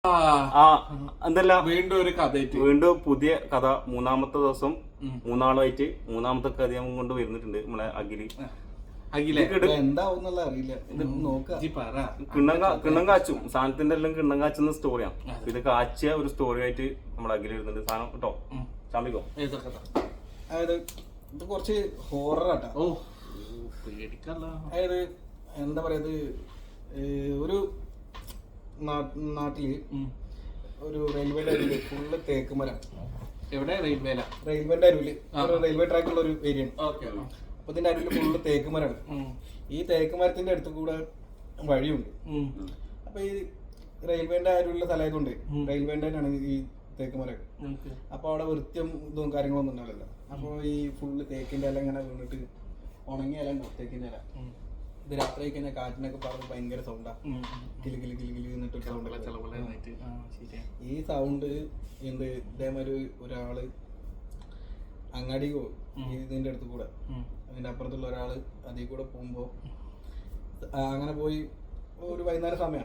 എന്തല്ല വീണ്ടും ഒരു കഥ, വീണ്ടും പുതിയ കഥ. മൂന്നാമത്തെ ദിവസം മൂന്നാളുമായിട്ട് മൂന്നാമത്തെ കഥ കൊണ്ട് വരുന്നിട്ടുണ്ട് നമ്മളെ കിണ്ണം കാച്ചും സാധനത്തിന്റെ എല്ലാം കിണ്ണം കാച്ചുന്ന സ്റ്റോറിയാണ്. ഇത് കാച്ചിയ ഒരു സ്റ്റോറി ആയിട്ട് നമ്മുടെ അഖിൽ വരുന്നുണ്ട്. സാധനം കേട്ടോ, ചാമ്പിക്കോ. അതായത് ഇത് കുറച്ച് ഹൊററാട്ടാ. അതായത് എന്താ പറയാ, ഒരു നാട്ടില് ഒരു റെയിൽവേയുടെ അരുവില് ഫുള്ള് തേക്ക് മരം. എവിടെ? റെയിൽവേന്റെ അരുവില് റെയിൽവേ ട്രാക്കുള്ള ഒരു ഏരിയ ആണ്. അപ്പൊ ഇതിന്റെ അരുവില് ഫുള്ള് തേക്ക് മരമാണ്. ഈ തേക്ക് മരത്തിന്റെ അടുത്ത് കൂടെ വഴിയുണ്ട്. അപ്പൊ ഈ റെയിൽവേന്റെ അരുവിലുള്ള സ്ഥലമായതുകൊണ്ട് റെയിൽവേന്റെ തന്നെയാണ് ഈ തേക്ക് മരം. അപ്പൊ അവിടെ വൃത്തിയും ഇതും കാര്യങ്ങളൊന്നും ഉണ്ടാവില്ല. അപ്പൊ ഈ ഫുള്ള് തേക്കിന്റെ ഇല ഇങ്ങനെ വീണിട്ട് ഉണങ്ങിയ ഇല ഉണ്ടാവും തേക്കിന്റെ ഇല. ഇത് രാത്രി കഴിഞ്ഞാൽ കാറ്റിനൊക്കെ പറഞ്ഞ് ഭയങ്കര സൗണ്ടാ. കിലി കിലി കിലി കിലി എന്നിട്ടൊരു സൗണ്ട്. ഈ സൗണ്ട് എന്ത് ഇതേമാതിരി ഒരാള് അങ്ങാടി പോകും ഇതിന്റെ അടുത്ത് കൂടെ. അതിന്റെ അപ്പുറത്തുള്ള ഒരാള് അതിൽ കൂടെ പോകുമ്പോ അങ്ങനെ പോയി ഒരു വൈകുന്നേരം സമയം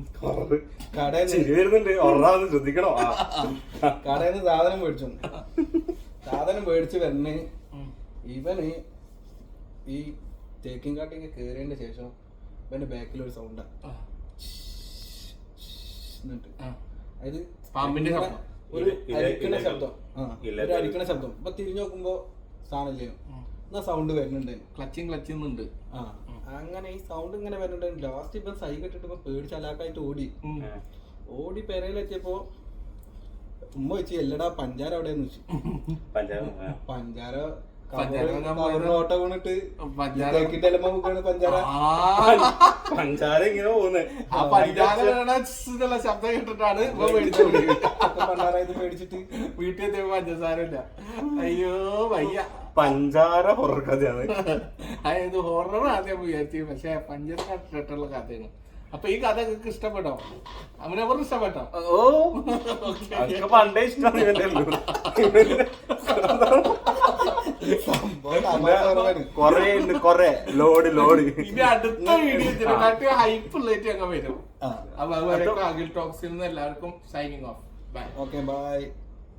കടയിന്ന് സാധനം മേടിച്ചു. സാധനം മേടിച്ച് വരണേ ഇവന് ഈ തേക്കിൻ കാട്ടിക്ക് കേറിയതിന്റെ ശേഷം ഇവന്റെ ബാക്കിൽ ഒരു സൗണ്ടാ. എന്നിട്ട് അതായത് ഒരു അരിക്കണ ശബ്ദം. ഒരു അരിക്കണ ശബ്ദം. ഇപ്പൊ തിരിഞ്ഞു നോക്കുമ്പോ സാധനമില്ലേ, എന്നാ സൗണ്ട് വരുന്നുണ്ട്. ക്ലച്ചിന്നുണ്ട്. അങ്ങനെ ഈ സൗണ്ട് ഇങ്ങനെ വരുന്നുണ്ട്. ലാസ്റ്റ് ഇപ്പൊ സൈ കെട്ടിട്ട് ഇപ്പൊ പേടിച്ച് അലാക്കായിട്ട് ഓടി പെരയിലെത്തിയപ്പോ ഉമ്മ വെച്ച് എല്ലടാ പഞ്ചാര എവിടെയെന്ന് വെച്ചു. പഞ്ചാര ഓട്ടോ വീണിട്ട് പഞ്ചാര പഞ്ചാര ഇങ്ങനെ പോകുന്നത്. ശബ്ദം കേട്ടിട്ടാണ് ഇത് മേടിച്ചിട്ട് വീട്ടിൽ പഞ്ചസാരമില്ല. അയ്യോ വയ്യ. പഞ്ചാര ഹൊറർ കഥയാണ്. അതായത് ഹൊറർ ആദ്യം വിചാരിച്ചു, പക്ഷെ പഞ്ചസാര ഇട്ടിട്ടുള്ള കഥയാണ്. അപ്പൊ ഈ കഥ നിങ്ങൾക്ക് ഇഷ്ടപ്പെട്ടോ? അവനവർക്ക് ഇഷ്ടപ്പെട്ടോ? പണ്ടേ ഇഷ്ടമാണ്. കൊറേ ലോഡ് ഇനി അടുത്ത വീഡിയോ ഹൈപ്പ് ഉള്ളേറ്റ് അങ്ങ് വരും. അപ്പൊ അതുവരെ അഖിൽ ടോക്സിൽ നിന്ന് എല്ലാവർക്കും signing off. Bye. Okay by.